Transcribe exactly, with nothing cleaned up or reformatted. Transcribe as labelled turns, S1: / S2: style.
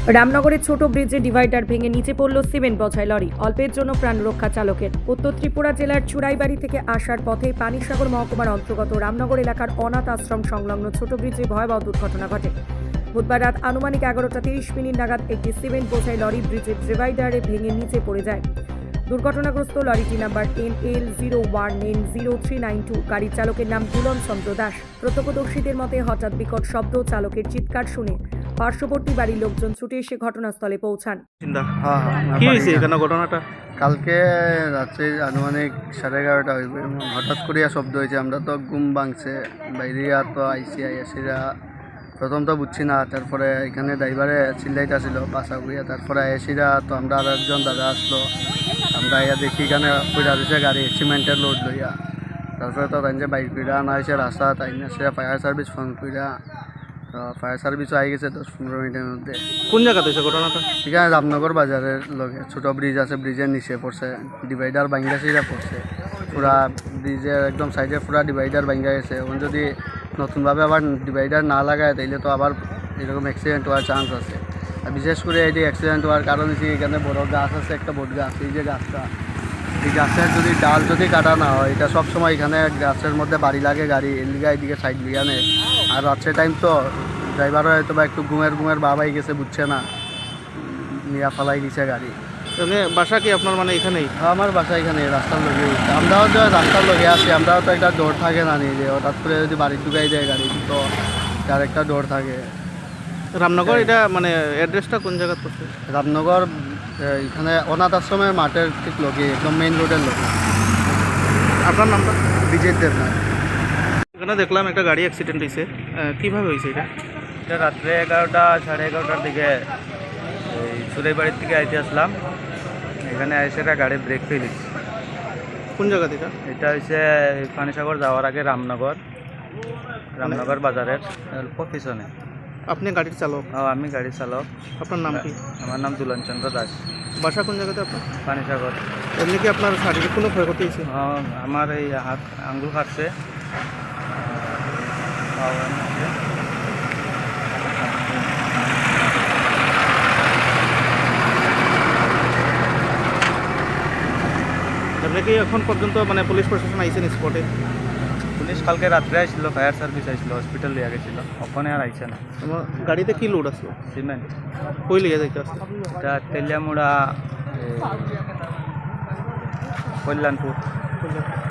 S1: রামনগরের ছোট ব্রিজে ডিভাইডার ভেঙে নিচে পড়ল সিমেন্ট বোঝাই লরি। অল্পের জন্য প্রাণ রক্ষা চালকের। উত্তর ত্রিপুরা জেলার চুড়াইবাড়ি থেকে আসার পথে পানিসাগর মহকুমার অন্তর্গত রামনগর এলাকার অনাথ আশ্রম সংলগ্ন ছোট ব্রিজে ভয়াবহ দুর্ঘটনা ঘটে। বুধবার রাত আনুমানিক এগারোটা তিরিশ মিনিট নাগাদ একটি সিমেন্ট বোঝাই লরি ব্রিজের ডিভাইডারে ভেঙে নিচে পড়ে যায়। দুর্ঘটনাগ্রস্ত লরিটি number N L zero one N zero three nine two. গাড়ির চালকের নাম দুলন চন্দ্র দাস। প্রত্যক্ষদর্শীদের মতে হঠাৎ বিকট শব্দ, চালকের চিৎকার শুনে পার্শ্ববর্তী বাড়ির লোকজন ছুটে এসে ঘটনাস্থলে পৌঁছান।
S2: হ্যাঁ হ্যাঁ
S3: কি হয়েছে এখানে ঘটনাটা?
S2: কালকে রাত্রে আনুমানিক সাড়ে এগারোটা হইব, হঠাৎ করিয়া শব্দ হয়েছে। আমরা তো ঘুম ভাঙছে, বাইরে তো আইসি আইসিরা প্রথম তো বুঝছি না, তারপরে এখানে ড্রাইভারে চিল্লাইটা ছিল বাসা করিয়া, তারপরে এসিরা তো আমরা আর একজন দাদা আসলো, আমরা ইয়া দেখি এখানে পয়লা দিছে গাড়ি সিমেন্টের লোড লইয়া। তারপরে তো তাই যে বাইক কইরা আনা হয়েছে রাস্তা, তাই না সে ফায়ার সার্ভিস ফোন কইরা, তো ফায়ার সার্ভিসও আই গেছে দশ পনেরো মিনিটের মধ্যে।
S3: কোন জায়গাতে হয়েছে ঘটনাটা?
S2: এখানে রামনগর বাজারের লগে ছোটো ব্রিজ আছে, ব্রিজের নিচে পড়ছে, ডিভাইডার ভাঙ্গা সিরা পড়ছে পুরা ব্রিজের একদম সাইডে পুরা ডিভাইডার ভাঙ্গা গেছে। এখন যদি নতুনভাবে আবার ডিভাইডার না লাগায় তাইলে তো আবার এরকম অ্যাক্সিডেন্ট হওয়ার চান্স আছে। আর বিশেষ করে এটি অ্যাক্সিডেন্ট হওয়ার কারণ হচ্ছে এখানে বড় গাছ আছে, একটা বট গাছ, এই যে গাছটা, এই গাছের যদি ডাল যদি কাটা না হয়, এটা সবসময় এখানে গাছের মধ্যে বাড়ি লাগে গাড়ি, এদিকে এদিকে সাইড লিয়া নেয়। আর রাত্রের টাইম তো ড্রাইভারও হয়তো বা একটু ঘুমের ঘুমের বাবাই গেছে, বুঝছে না, নিয়া ফালাই দিছে গাড়ি।
S3: মানে বাসা কি আপনার মানে এখানেই?
S2: আমার বাসা এখানে রাস্তার লগে। আমরাও তো রাস্তার লগে আছি, আমরাও তো একটা ডোর থাকে না নিয়ে যে হঠাৎ করে যদি বাড়ি ঢুকাই দেয় গাড়ি, তো তার একটা ডোর থাকে।
S3: রামনগর এটা মানে অ্যাড্রেসটা কোন জায়গা পড়ছে?
S2: রামনগর এখানে অনাথ আশ্রমের মাঠের ঠিক লগে, একদম মেইন রোডের লগে।
S3: আপনার নামটা?
S2: বিজের দেবনাথ।
S3: এখানে দেখলাম একটা গাড়ি অ্যাক্সিডেন্ট হয়েছে, কীভাবে হয়েছে এটা?
S4: এটা রাত্রে এগারোটা সাড়ে এগারোটার দিকে এই চুড়াইবাড়ির থেকে আইতে আসলাম, এখানে এসে একটা গাড়ি ব্রেক ফেলেছি।
S3: কোন জায়গা থেকে?
S4: এটা হচ্ছে পানিসাগর যাওয়ার আগে রামনগর, রামনগর বাজারের অল্প পিছনে।
S3: আপনি গাড়ির চালক?
S4: ও, আমি গাড়ি চালক।
S3: আপনার নাম কি?
S4: আমার নাম দুলন চন্দ্র দাস।
S3: বাসা কোন জায়গাতে আপনার?
S4: পানিসাগর।
S3: এমনি কি আপনার শারীরিক কোনো ক্ষয়ক্ষতি হয়েছে?
S4: হ্যাঁ, আমার এই হাত আঙ্গুল কাটছে।
S3: আপনি কি এখন পর্যন্ত মানে পুলিশ প্রশাসন আইসেন স্পটে?
S4: পুলিশ কালকে রাত্রে আসছিল, ফায়ার সার্ভিস আসছিল, হসপিটাল লিয়ে গেছিল, ওখানে আর আইসে না।
S3: আমার গাড়িতে কি লোড আসলো?
S4: সিমেন্ট।
S3: কই লিয়ে যাইতে আসছে?
S4: এটা তেলিয়ামুড়া, কল্যাণপুর।